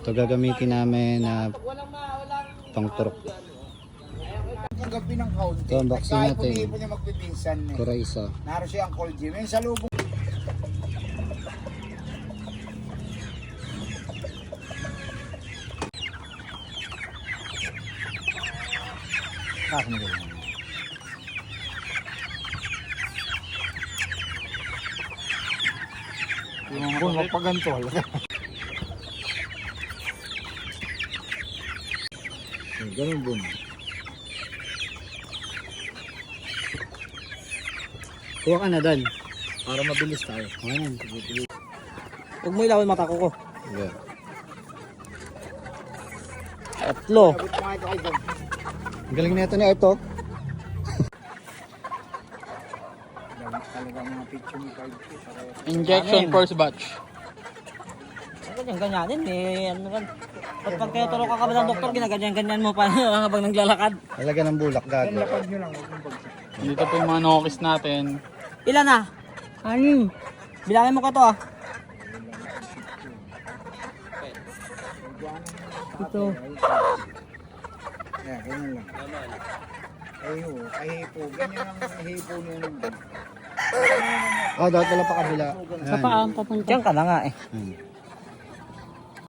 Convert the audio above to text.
Ito gagamitin namin na pang-turok. Ang gabi ng kaunti. Ito, unboxing natin. Kahit po niya magpipinsan. Kuraysa. Naroon siya ang cold gym. Yung salubong. Kaso na gano'n. Yung mga kung magpaganto. Ganun bun. Kuha ka na Dan. Para mabilis tayo. Okay na. Huwag mo ilawin mata ko ko. Yeah. Tatlo. Abot mo nga ito kay Dad. Ang galing na ito ni Ito. Talaga mga picture ni Card. Injection first batch. Ganyan-ganyanin eh. Ano kan? Pag kayo tulog ka kami ng doktor, ginaganyan-ganyan mo pa habang naglalakad. Talaga ng bulak gago. Lapad nyo lang. Huwag mong bagsak. Dito po yung mga nokis natin. Ilan na? Anim. Bilangin mo ka to ah. Ito. Ayan, ganyan lang. Ay ho, ay hipo. Ganyan ang hipo niya naman. Oh, dapat pala pa kabila. Sa paa, papunta. Diyan ka na nga eh. Hmm.